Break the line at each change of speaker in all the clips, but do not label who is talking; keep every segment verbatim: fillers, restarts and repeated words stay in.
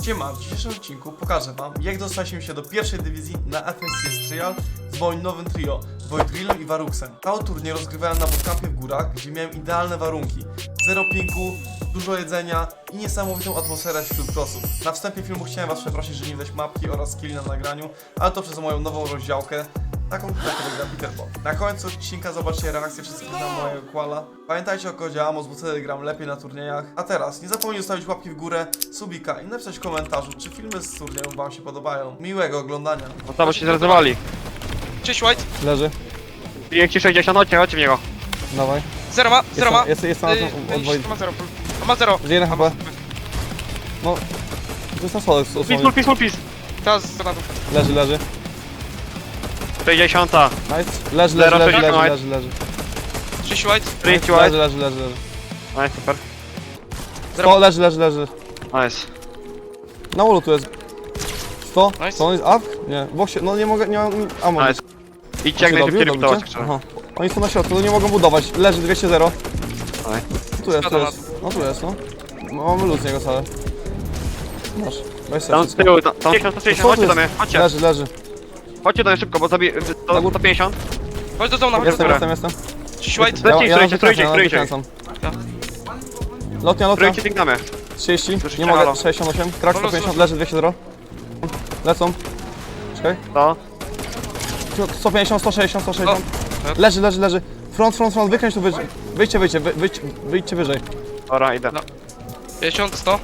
Siema, w dzisiejszym odcinku pokażę wam, jak dostaliśmy się do pierwszej dywizji na F S C S Trial z moim nowym trio, Voidrillem i Varuxem. Cały turniej rozgrywałem na bootcampie w górach, gdzie miałem idealne warunki. Zero pinku, dużo jedzenia i niesamowitą atmosferę wśród prosów. Na wstępie filmu chciałem was przeprosić, że nie widać mapki oraz skilli na nagraniu, ale to przez moją nową rozdziałkę, taką, którą gra Peterbo. Na końcu odcinka zobaczcie reakcję wszystkich na mojego quala. Pamiętajcie o kodzie Amos, bo wtedy gram lepiej na turniejach. A teraz nie zapomnij zostawić łapki w górę, subika i napisać w komentarzu, czy filmy z turniejów wam się podobają. Miłego oglądania.
No tam się zrezowali.
Cześć White.
Leży.
Bije ci sześćdziesiąt, chodźcie, chodźcie w niego.
Dawaj.
Zero ma, zero ma.
Jest, jest na
Yy,
od Void.
ma zero. On ma zero.
Gdzie jeden H P? No. To jest na sole
Pis,
dosłownie.
pis, pis, pis.
Teraz z granatów.
Leży, leży.
sześćdziesiąt.
Nice. Leży, leży,
Zero,
leży,
sześćdziesiąt,
leży,
nice.
leży, leży.
Cześć White.
Trinity
Leży,
white.
leży, leży, leży.
Nice, super.
sto, leży, leży, leży.
Nice.
Na wallu tu jest. sto?
Nice.
To on jest up? Nie. W boksie, no nie mogę, nie mam ammo.
Nice. Idźcie jak
Się
najszybciej
dobił,
rekrutować.
dobicie? Aha. Oni są na środku, no nie mogą budować. Leży dwieście zero.
Nice.
Tu jest, tu
Spada na
jest. No tu jest, no. Mamy luz z niego salę. Masz. Weź sobie
Tam z
wszystko.
tyłu, tam tam sześćdziesiąt, sześćdziesiąt,
Co tu
chodźcie do
jest?
mnie, chodźcie.
Leży, leży.
Chodźcie do mnie szybko, bo zabi... To, to pięćdziesiąt.
Chodź do zona, chodź do
Jestem,
zona.
jestem, jestem.
Cześć White.
Lecimy,
Ja, ja
trójcie,
na
trójcie,
wykręcam,
trójcie.
ja na wykręcam. Lotnia, lotnia.
Trójcie tygnamy.
trzydzieści,
Słyszycie?
nie mogę,
Halo.
sześćdziesiąt osiem, krak sto pięćdziesiąt, leży dwieście zero. Lecą. Czekaj.
To.
sto pięćdziesiąt, sto sześćdziesiąt, sto sześćdziesiąt.
O.
Leży, leży, leży. Front, front, front, wykręć tu wyżej. Wyjdźcie, wyjdźcie, wy, wyjdźcie, wyjdźcie wyżej.
Dobra, idę.
No. pięćdziesiąt, sto.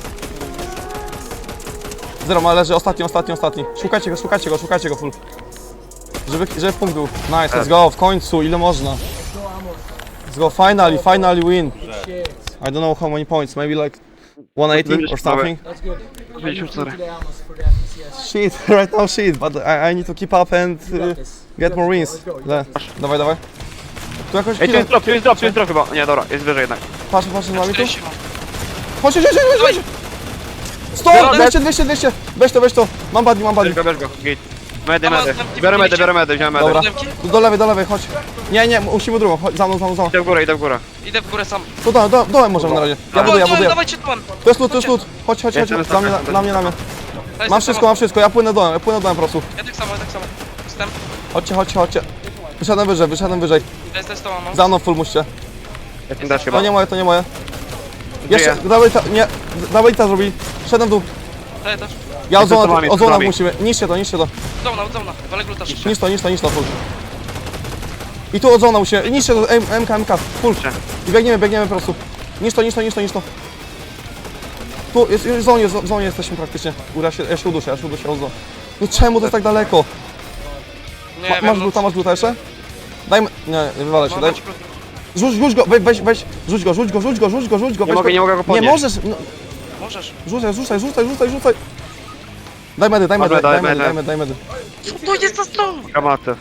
Zero ma, leży, ostatni, ostatni, ostatni. Szukajcie go, szukajcie go, szukajcie go full. Żeby, żeby punkt był. Nice, let's go, w końcu, ile można. Let's go, finally, finally win. I don't know how many points, maybe like one eighty or something.
pięćdziesiąt cztery.
Shit, right now shit, but I, I need to keep up and uh, get more wins. Le. Dawaj, dawaj. Tu jakoś
Ej, tu
chwilę.
jest drop, tu jest drop, tu jest drop chyba. Nie, dobra, jest wyżej jednak.
Patrz, patrz, z nami tu.
czterdzieści mam.
Chodź, chodź, chodź, chodź, chodź. sto, dwieście, dwieście, dwieście. Weź to, weź to. Mam buddy, mam buddy.
Bierz go, bierz go, git. Medy,
Dobra,
medy.
tam
Biorę medy,
widzicie?
biorę medy, wziąłem medy.
Dobra.
Siódemki?
Tu do lewej, do lewej, chodź. Nie, nie, musimy drugą. Chodź, za mną, za mną, za mną.
Idę w górę, idę w górę.
Idę w górę sam.
Tu do, do, dołem możemy na razie. Ja buduję, ja buduję.
Dawajcie tu.
To jest lód, to jest lód. Chodź, chodź, chodź.
Jestem,
Dla mnie,
jestem,
dla mnie, dla mnie.
Daj
Mam
sobie
wszystko,
samo.
mam wszystko. Ja płynę dołem, ja płynę dołem po prostu.
Ja tak samo, ja tak samo. Jestem.
Chodźcie, chodźcie, chodźcie. Wyszedłem wyżej, wyszedłem wyżej.
Jest, jest to mam.
Za mną full musicie.
Jestem też
To
chyba.
nie moje, to nie moje. Jeszcze,
Żyję.
dawaj ta, nie, dawaj ta zrobi. Szedłem w dół.
Daję też.
Ja
Jestem z
ozona,
wami, z
ozona
wami.
musimy. Niszcie to, niszcie to.
Zona, zona. Walę gluta szybciej.
Niszcz to, niszcz to, niszcz to, full. I tu ozona musimy. Niszcie to, M- MK, MK, full. I biegniemy, biegniemy po prostu. Niszcz to, niszcz to, niszcz to, niszcz to. Tu, jest, już w zonie, w zonie jesteśmy praktycznie. Ura, się, ja się uduszę, ja się uduszę, ozona. No czemu to jest tak daleko?
Nie
Ma,
wiem,
masz
no.
gluta, masz gluta jeszcze? Dajmy, nie, nie wywalę się,
Mam
daj.
dać gluta.
Rzuć, rzuć go, weź, weź, weź, rzuć go, rzuć go, rzuć go, rzuć go, rzuć go.
Nie
weź
mogę,
go.
nie mogę go
Nie
podnieść.
możesz, no,
Możesz.
rzucaj, rzucaj, rzucaj, rzucaj, rzucaj. Daj medy, daj medy,
Dobra,
daj
daj
medy, daj
medy.
medy, daj medy.
Co to jest za stron?
Gramaty.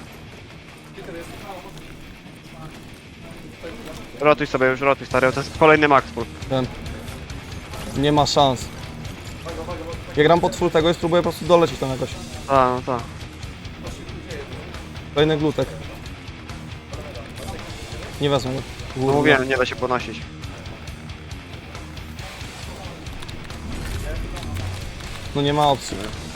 Rotuj sobie już, rotuj stary, to jest kolejny max full.
Ten. Nie ma szans. Ja gram pod full tego i spróbuję po prostu dolecieć tam jakoś.
A, no tak.
Kolejny glutek. Nie wezmę go.
No mówiłem, nie da się podnosić.
No nie ma opcji.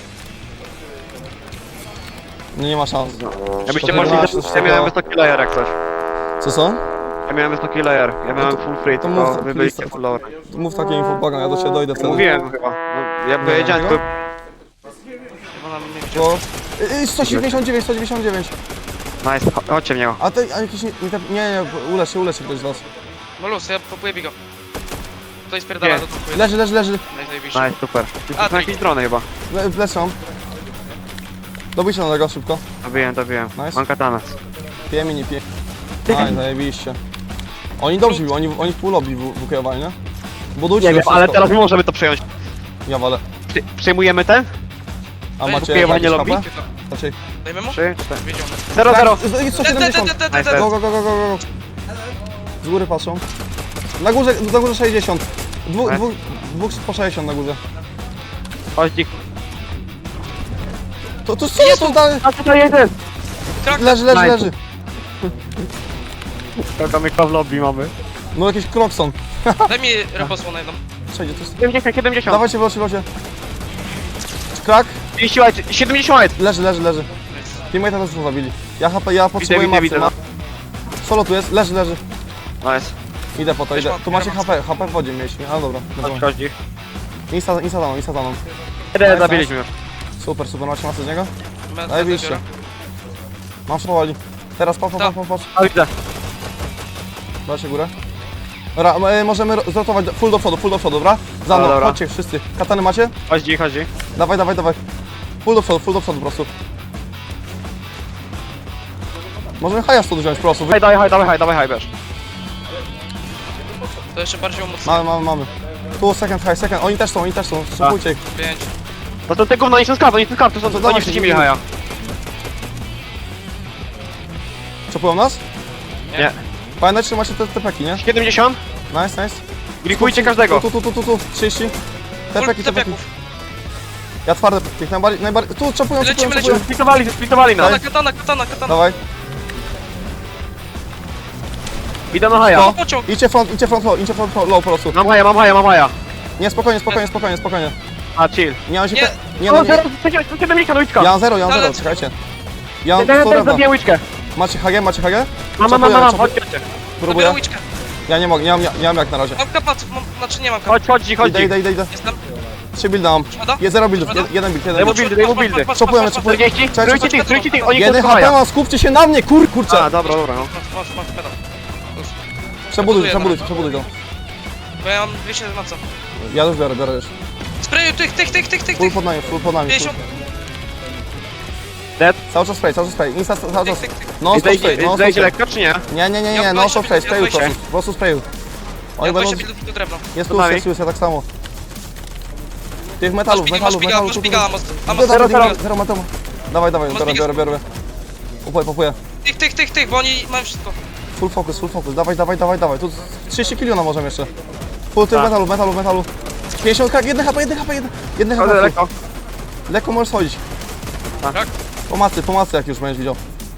No nie ma szans.
Jakbyście
To
mogli,
ty masz
ja
coś
miałem
takiego-
wysoki layer jak coś.
Co co?
Ja miałem wysoki layer, ja miałem full free,
to
tylko
mów,
wy
please.
byliście full lower.
Mów takie info, błagam, ja do ciebie dojdę wtedy.
Mówiłem chyba, no, ja powiedziałem
Nie.
tylko...
Ona mnie wzięła.
Bo... Y, y, sto dziewięćdziesiąt dziewięć, sto dziewięćdziesiąt dziewięć.
Nice, cho- chodźcie w niego.
A ty, a jakiś nie, nie, nie, nie, ulecz się, ulecz się ktoś z was.
No luz, ja popuję bigo. Tutaj spierdala
Nie.
do tu.
Leży, leży, leży.
Najzajebiście.
Nice, super. Ty
A,
są jakieś drony chyba.
Le, lecę mam. Dobijcie na tego szybko.
Dobiłem, dobiłem.
Nice.
Mam katanę.
Pije mi, nie pije. Aj, zajebiście. Oni dobrze bił, oni, oni w pół lobby wykierowali, nie? Budujcie
Nie wiem,
to
ale
wszystko.
teraz my możemy to przejąć.
Ja walę.
Przy, przyjmujemy ten?
A
Ej,
macie
wykierowanie
jakieś
lobby?
H P? Raczej.
Dajmy mu?
Trzy, cztery.
Wiedział.
Zero, zero.
Tak, sto
Te, te, te,
siedemdziesiąt.
te, te,
Nice.
te.
Go, go, go, go, go, go. Z góry patrzą. Na górze, na górze sześćdziesiąt. Dwóch,
Nice.
dwóch, dwóch po sześćdziesiąt na górze.
Chodź, ich.
To, to co to dalej?
A tutaj jeden!
Krak.
Leży, leży,
Nice.
leży.
Skakamy w lobby mamy.
No jakiś krokson.
Daj mi reposło na jedną.
Przejdzie, to jest...
siedemdziesiąt, siedemdziesiąt.
Dawajcie w locie, w locie. krak.
trzydzieści white, siedemdziesiąt white.
Leży, leży, leży. Teammate'a też już zabili. Ja H P, ja potrzebuję
widzę,
macy.
widzę,
ma- Solo tu jest, leży, leży.
Nice.
Idę po to,
Weź
idę.
ma-
Tu macie
ja mam-
H P, H P w wodzie mieliśmy. A dobra,
Chodź,
dobra.
chodź.
Insta, insta za mną, insta za mną.
Jeden zabiliśmy już.
Super, super, macie masę z niego?
Med-
Zajebiście.
biorę.
Mam powoli. Teraz patrz, patrz,
Tak.
patrz, patrz.
A widzę.
Dajcie górę. Dobra, e, możemy ro- zrotować do- full do przodu, full do przodu, dobra? Za mną,
Dobra.
chodźcie wszyscy. Katany macie?
Chodź, dzik, chodź. dzik.
Dawaj, dawaj, dawaj. Full do przodu, full do przodu po prostu. Możemy haja stąd wziąć po prostu. Wy...
Haj, dawaj, haj, dawaj, haj, dawaj, haj, bierz.
To jeszcze bardziej umocnione.
Mamy, mamy, mamy. Tu second high, second. Oni też są, oni też są. Szybujcie ich.
Pięć.
No to te gówno, oni są sklep, oni są sklep, to są,
to
oni
dawaj,
wszyscy
nie
mieli
widzę.
haja.
Czopują nas?
Nie.
Pamiętajcie, że macie te tepeki, nie?
siedemdziesiąt.
Nice, nice.
Grifujcie każdego.
Tu, tu, tu, tu, tu. trzydzieści. Tepeki,
Full
tepeki.
tepeków.
Ja twarde tych najbardziej, najbardziej. Tu czopują,
Lecimy,
czopują,
lecimy.
czopują.
Splitowali, splitowali nas.
Katana, katana, katana, katana.
Dawaj.
Idę na haja.
To.
Pociąg.
Idźcie front, idźcie front low, idźcie front low po prostu.
Mam haja, mam haja, mam haja.
Nie, spokojnie, spokojnie, spokojnie, spokojnie.
A, chill.
Nie mam się...
Nie.
Te... Nie,
O,
no, nie.
zero, siedem liczka, liczka.
Ja mam zero, ja mam zero,
Ale-
czekajcie. Ja mam
Ten,
sto
ten,
drewna.
zabiję łyczkę.
Macie H G, macie H G?
Mam, mam, mam,
Czopuję,
mam,
czopuję.
chodź, chodźcie.
Próbuję.
Robię łyczkę.
Ja nie mogę, nie mam, nie mam jak na razie.
Mam kapaców, mam, znaczy nie mam kapaców.
Chodź, chodź, dzik, chodź,
Idę,
dzik.
idę, idę, idę.
Jestem.
Trzy builda mam.
Szkoda?
Je zero buildów,
Szkoda?
jed- jeden build,
Daj
jeden
mu
build.
buildy, daj mu buildy.
Czopujemy, czopujemy.
czterdzieści,
Czekaj,
trójcie
czekaj,
tych, trójcie tych, oni
Jeden
są
H P
haja.
mam, skupcie się na mnie, kur, kurczę.
A, dobra, dobra, no.
Masz, masz, masz pedał. Już.
Przebuduj,
Buduję
przebuduj,
na
przebuduj go.
Bo ja mam dwieście na co?
Ja już biorę, biorę już.
Sprayu tych, tych, tych, tych, tych,
Full
tych.
pod nami, full pod nami. full.
pięćdziesiąt.
Dead.
Cały czas spray, cały czas spray. Insta cały czas.
Tyk, tyk, tyk.
No stop
Zejdzie,
spray, no stop
zejdzie
spray.
lekko, czy nie?
Nie, nie, nie,
Ja
nie, no
dwadzieścia
stop spray,
ja
sprayu po
dwadzieścia.
prostu, po prostu sprayu.
Ja
Oni będą...
dwadzieścia buildów do drewna.
Jest
To
tu,
nami.
jest tu, jest tak samo. Tych metalów,
Masz
metalów,
biga,
metalów.
masz
tu, tu.
biga, masz
Zero,
masz
zero,
biga.
zero, zero metalu. Dawaj, dawaj,
Masz
biorę,
biga.
biorę, biorę. Upuję, popuję.
Tych, tych, tych, tych, bo oni mają wszystko.
Full focus, full focus. Dawaj, dawaj, dawaj, dawaj. Tu trzydzieści kilo możemy jeszcze. Full tych
Tak.
metalu, metalu, metalu. pięćdziesiąt krak, jeden H P, jeden H P, jeden, jeden H
Chodzę
P.
lekko.
Lekko możesz schodzić.
Tak?
Pomocy, pomocy jak już będziesz widział.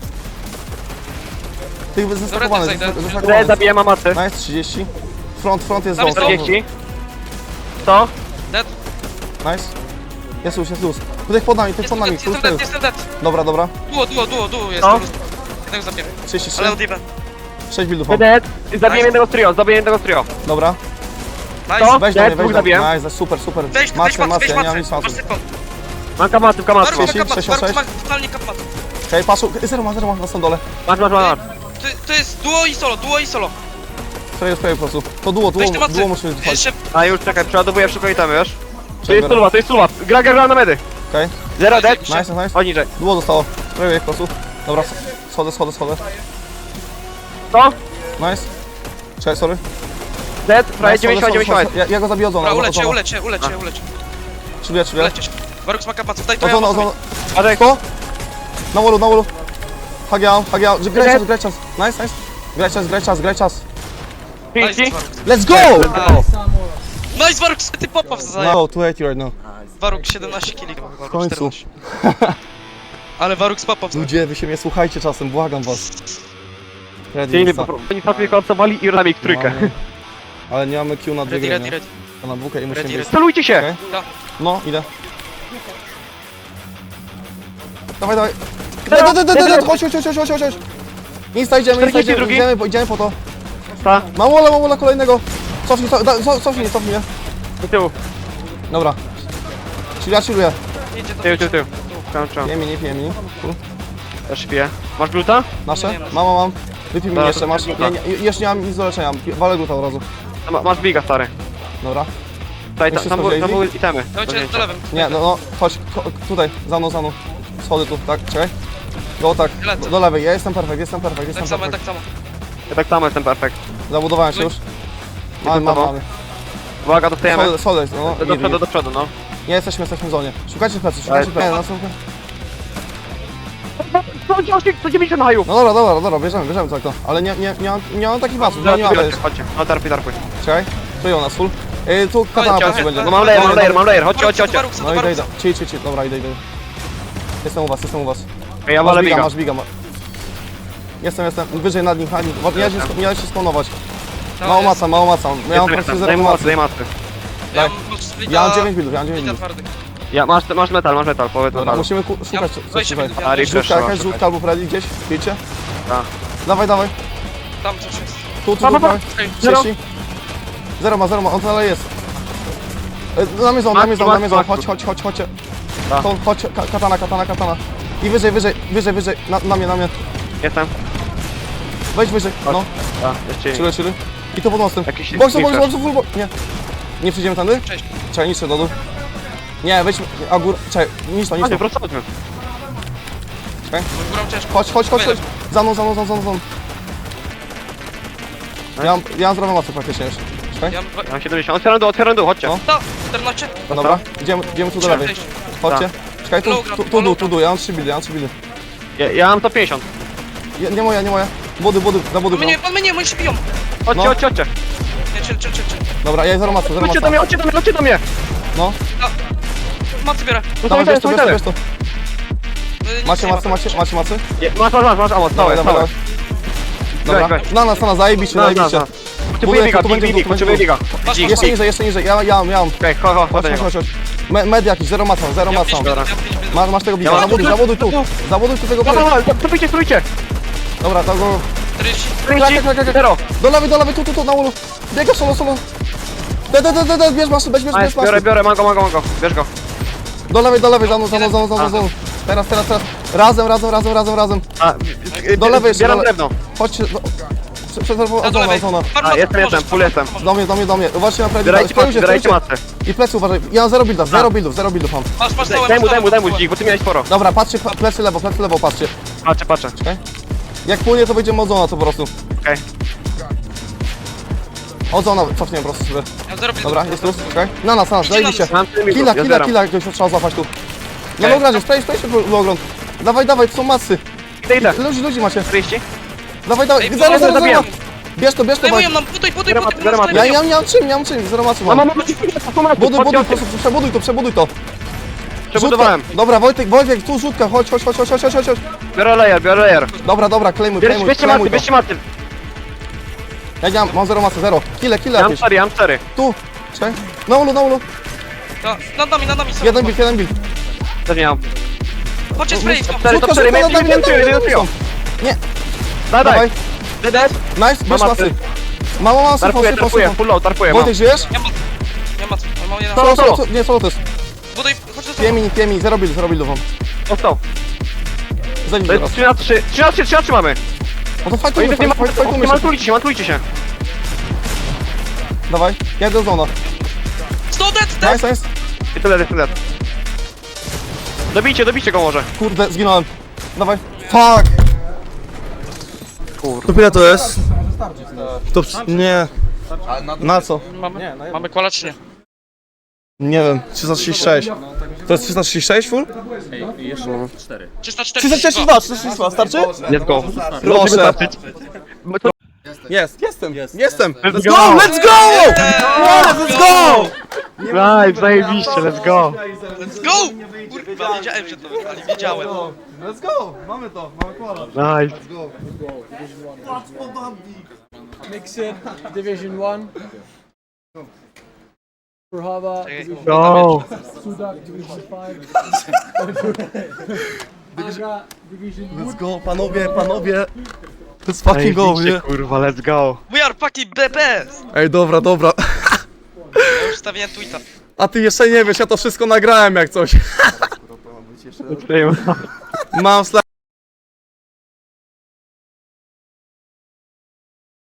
Tych zestakowanych,
zejdę.
Dead,
zestakowanych.
zabiję mamacy.
Nice, trzydzieści. Front, front jest
Tam
zone.
jest
czterdzieści. sto.
Dead.
Nice. Jest luz, jest luz. Tutaj pod nami, tutaj pod
Jestem
nami.
dead,
Tu
jestem
jest
dead, jestem dead.
Dobra, dobra.
Duo, duo, duo, duo jest.
No.
Jednego zabiję.
trzydzieści trzy.
Ale odjebę.
sześć buildów mam.
Dead. Zabiję jednego z trio, zabiję jednego z trio.
Dobra.
Nice.
Weź do
Dead,
mnie, weź
dwóch
do mnie.
zabiłem.
Nice, super, super.
Weź, weź
Masę,
macy,
masę,
weź
ja nie mam
macy.
nic
Masz
masy.
tylko.
Mam kamaty, kamaty.
Waruk ma
trzydzieści,
kapat,
sześćdziesiąt
Waruk
sześć.
ma totalnie kapat.
Hej, paszu, zero ma, zero ma na stąd dole.
Masz, masz, masz.
To, to jest duo i solo, duo i solo.
Sprayu, sprayu po prostu. To duo, duo,
Weź te macy.
duo musimy trwać.
Jeszcze
A już, czekaj, przeładowuję szybko itemy, wiesz? To
Czekaj,
jest suluwa, to jest suluwa. Gra, gra, gra na medy.
Okej.
Zero dead.
Nice,
Nice, nice.
Chodź niżej.
Duo zostało. Sprayuję ich po prostu. Dobra, schodzę, schodzę, schodzę.
sto.
Nice. Czekaj, sorry.
Dead, prawie
Nice,
dziewięćdziesiąt,
schodzę,
dziewięćdziesiąt.
schodzę. Ja, ja go zabiję od zona.
Dobra,
od
ulecie,
zona.
ulecie, ulecie, ulecie.
Trzywie, trzywie.
Ulecie. Waruk ma kapaców, daj to
Od
ja
zona, od
mam
zona.
Adek.
To? Na wallu, na wallu. Hagiał, hagiał. Graj czas, graj czas. Nice, nice. Graj czas, graj czas, graj czas.
Nice,
trzydzieści.
Waruk.
Let's go!
Nice, Waruk, ty popaw za
No, two eighty right now.
Waruk siedemnaście kili chyba, chyba,
W końcu.
czternaście. Ale Waruk z popaw.
Ludzie, wy się mnie słuchajcie czasem, błagam was. Ready,
Czyli
insta.
po prostu oni sobie konsowali i rami w trójkę.
Mamy- Ale nie mamy Q na dwie
Ready,
gry,
ready,
nie?
ready.
To na dwójkę i musimy
Ready,
być.
Celujcie się!
Okej.
Tak.
No, idę. Dawaj, dawaj. Daj, daj, daj, daj, daj, chodź, chodź, chodź, chodź, chodź, chodź. Insta, idziemy, insta,
czterdzieści
idziemy,
drugi.
idziemy, po- idziemy po to.
Ta,
Mam wola, mam wola kolejnego. Cofnij, co- da- co- cofnij, cofnij mnie.
do tyłu,
Dobra. Czyli ja chilluję.
Idzie to.
tył, tył, tył. Czam, czam.
Pije mi, nie pije mi. Cool.
Też piję. Masz gluta?
Nasze?
Nie, nie.
Mam, mam, mam. Wypij mi
Dobra,
jeszcze,
to
masz.
gluta.
Nie, nie, jeszcze nie mam nic do leczenia. Walę gluta od razu.
A ma- Masz biga, stary.
Dobra.
Tutaj,
Jeszcze
tam, tam,
są
tam były itemy.
Dajcie do lewym.
Nie, no, no, chodź, ko- tutaj, za mną, za mną. Schody tu, tak, czekaj. Go tak,
Lecę.
do, do lewej, ja jestem perfekt, jestem perfekt, jestem
Tak samo,
perfekt.
tak samo.
Ja tak samo jestem perfekt.
Zabudowałem się już. Mamy, mamy, mamy.
Uwaga, dostajemy.
Schody, schody, no,
Do, do
git,
przodu,
git.
do przodu, no.
Nie jesteśmy, jesteśmy w zonie. Szukajcie plecy, szukajcie plecy. Nie, no, słuchaj.
sto dziewięćdziesiąt na haju.
No dobra, dobra, dobra, bierzemy, bierzemy tak to. Ale nie, nie, nie mam, nie mam takich pasów, nie, nie mam
Chodźcie, chodźcie. No, tarpuj, tarpuj.
Czekaj, kryją nas full. Yy, tu katana
Chodźcie,
plecy będzie.
No mam layer, mam layer, mam layer. Chodźcie, chodźcie, chodźcie.
Waruk,
No idę, idę.
Waruk.
Chill, chill, chill, dobra, idę, idę. Jestem u was, jestem u was.
Ja
Masz
walę
biga,
biga.
masz biga. ma- Jestem, jestem, wyżej nad nim, nad nim. Miałeś się, miałeś się spawnować. Mało maca, mało maca. Ja mam
Jestem,
praktycznie
jestem.
zero
Daj mu
macy.
mocy, daj mocy.
Ja mam splita-
Ja mam dziewięć buildów, ja mam dziewięć
splita
buildów.
twardych.
Ja, masz, masz metal, masz metal, powiedz
Dobra,
metal.
musimy ku- szukać co- coś
Weź
tutaj.
mnie,
A,
ja
refresh.
Rzutka
trzeba
jakaś,
szukać.
rzutka albo Freddy gdzieś, wiecie?
Tak.
Dawaj, dawaj.
tam coś jest.
Tu, tu,
Pa,
tu,
pa, pa.
dawaj.
Ej,
Zero.
trzydzieści. Zero ma, zero ma, on to dalej jest. E, Na mnie zon, na mnie zon, na mnie zon, chodź, chodź, chodź, chodź.
Tak.
Chodź, chodź, ka- katana, katana, katana. I wyżej, wyżej, wyżej, wyżej, na, na mnie, na mnie.
Jestem.
Wejdź wyżej, no,
A, jeszcze nie.
chwilę, chwilę. I to pod mostem.
Jakiś
Boxu, boxu,
refresh.
boxu, full box. Nie. Nie przyjdziemy tędy?
Cześć.
Czekaj, niszczę do dół. Nie, wejdź, a gór, czekaj, niszcz to, niszcz
Chodźmy,
to.
prosto chodźmy.
Górą ciężko.
Chodź, chodź, chodź, chodź. Za mną, za mną, za mną, za mną. Ja mam, ja mam zdrową masę praktycznie już. Czekaj,
Ja mam...
Ja mam siedemdziesiąt, otwieram dół, otwieram dół, chodźcie.
No.
To, czternaście.
dobra, idziemy, idziemy tu do
Trzeba
lewej.
przejść.
Chodźcie. Czekaj, tu,
Low
tu, tu dół, tu dół, ja mam trzy bildy, ja mam trzy bildy.
Ja, ja mam to pięćdziesiąt.
Nie, nie moja, nie moja. Budy, budy, za budy.
On mnie, on mnie, oni się biją.
Chodźcie,
No.
chodźcie, chodźcie.
Nie, chill, chill, chill, chill.
Dobra, ja zero masy, zero
Chodźcie do
masy.
mnie, chodźcie do mnie, chodźcie do mnie.
No,
Macy biorę.
No
dawaj,
to
bierz to, bierz to, bierz to.
Y, nic
Macie
nie ma.
masy, macie, macie masy?
Masz, masz, masz, masz, amo,
Dawaj,
całe,
dawaj,
całe.
dawaj. Dobra,
weź.
na nas, na nas, zajebiście,
No, no,
zajebiście.
no. Potrzebuję
Buduję,
biga,
tu
big,
będzie
big,
dół,
big,
tu będzie
potrzebuję
dół.
biga.
Masz, masz,
Jeszcze
masz.
niżej, jeszcze niżej, ja, ja, ja mam.
Okej, chodź, chodź,
Chodź,
chodź do
chodź,
niego.
chodź, chodź. Me, med jakiś, zero masa, zero
Ja
masa.
pięć
Dobra.
minut, ja pięć minut.
Masz, masz tego biga,
Ja mam
zabuduj,
tu-
zabuduj tu. Zabuduj tu tego
Dobra,
biga.
dobra, strójcie, strójcie.
Dobra, tak, go.
czterdzieści.
czterdzieści,
tak, tak, tak.
zero.
Do lewej, do lewej, tu, tu, tu, na ulu. Biega solo, solo. De, de, de, de, de, bierz masy, bierz, bierz, bierz
Nice, biorę,
masy.
biorę, mam go, mam go, mam go. Bierz go.
Do lewej, do lewej, za mną, za mną, za mną, za mną, za mną. Teraz, teraz, teraz. Razem, razem, razem, razem, razem.
A,
Do lewej jeszcze,
Zbieram
do le-
drewno.
Chodźcie, do... Prze- Przez
Ja
ozona,
do lewej.
ozona.
A, jestem, jestem, full jestem.
Do mnie, do mnie, do mnie. Uważajcie na prawie.
Zbierajcie
Spróbujcie,
matce, zbierajcie
spróbujcie.
matce.
I plecy uważaj. Ja mam zero buildów, zero buildów, zero buildów mam.
Masz, masz
Daj
całe,
daj mu,
masz
daj mu, daj mu
całe.
dźwig, bo ty miałeś sporo.
Dobra, patrzcie, pa- plecy lewo, plecy lewo, patrzcie.
Patrzę, patrzę.
Jak płynie, to będziemy ozona to po prostu.
Okej.
Ozona, cofnie po prostu sobie.
Ja zero
Dobra, jest tu, czekaj. Na nas, na nas, zajebiście.
Mam tyle
Killa,
ja
killa,
zbieram.
killa, ktoś trzeba złapać tu. Na
Okej.
logradzie, stoi, stoi się w ogląd. Dawaj, dawaj, to są masy.
Idę, idę.
Ludzi, ludzi macie.
czterdzieści?
Dawaj, dawaj,
Ej,
zero, zero, zero.
zabijam.
Bierz to, bierz to,
Zajmują
bo...
nam, putuj, putuj,
Zero
putuj,
mat, zero mat.
Ja, ja nie mam czym, nie mam czym, zero masy
Mam,
mam.
mam, mam,
Buduj, buduj, po prostu przebuduj to, przebuduj to.
Przebudowałem.
Rzutka. Dobra, Wojtek, Wojtek, tu rzutka, chodź, chodź, chodź, chodź, chodź, chodź, chodź.
Biorę layer, biorę layer.
Dobra, dobra, klejmuj,
Bierz,
klejmuj,
bierzcie maty,
klejmuj to.
bierzcie maty.
Ja nie mam, mam zero masy, zero. Kile, kile
Ja mam
jakieś.
cztery, ja mam cztery.
Tu, czekaj. Na ulu, na ulu.
Ja, nad nami, nad nami są.
Jeden bil, jeden bil.
Też nie mam.
Chodźcie spray, stop.
Cztery, to
Rzutka,
cztery,
rzutka,
jeden,
dawaj,
jeden,
dawaj,
jeden,
dawaj,
jeden.
Nie,
Daj,
dawaj.
daj. Dead,
Nice, bierz
Mam
masy.
masy.
Mało masy,
Tarpuję,
fosy,
tarpuję,
fosy.
full low, tarpuję, mam.
Wojtek, żyjesz?
Nie ma, nie ma, ale mam jeden.
Solo,
Solo,
solo.
solo, nie, solo to jest.
Buduj, chodź do
Dwie
solo.
mini, dwie mini, zero build, zero buildów mam.
Dostał.
Zajdź
To
teraz.
jest trzy na trzy, trzy na trzy, trzy na trzy mamy.
No to
Oj,
fajtujmy,
nie
fajtujmy, fajtujmy się.
mantujcie się, mantujcie się.
Dawaj, ja do zona.
sto dead, dead.
Nice, nice.
I tyle, tyle. Dobijcie, dobijcie go może.
Kurde, zginąłem. Dawaj. Fuck!
Kurde.
To ile to jest? To ps- nie. Na co?
Mamy, mamy kola czy nie?
Nie wiem, trzysta trzydzieści sześć. To jest trzysta trzydzieści sześć full?
trzysta
trzysta
czterdzieści
trzydzieści dwa, trzysta trzydzieści dwa, starczy?
Let's go.
Proszę.
My to-
Jest, jestem, jestem.
Let's
Let's
go.
go, let's go! Yes, let's go!
Nice, zajebiście, let's go.
Let's go! Kurwa, wiedziałem, że to wypali, wiedziałem.
Let's go, mamy to, mamy kola.
Nice.
Mixed Division one. Brahava Division
Go.
Sudak Division five. Agra Division
Let's go, panowie, panowie. Let's fucking go,
Zajebiście,
nie?
kurwa, let's go.
We are fucking the best!
Ej, dobra, dobra.
Ja już stawiłem tweeta.
A ty jeszcze nie wiesz, ja to wszystko nagrałem jak coś. Mam sla...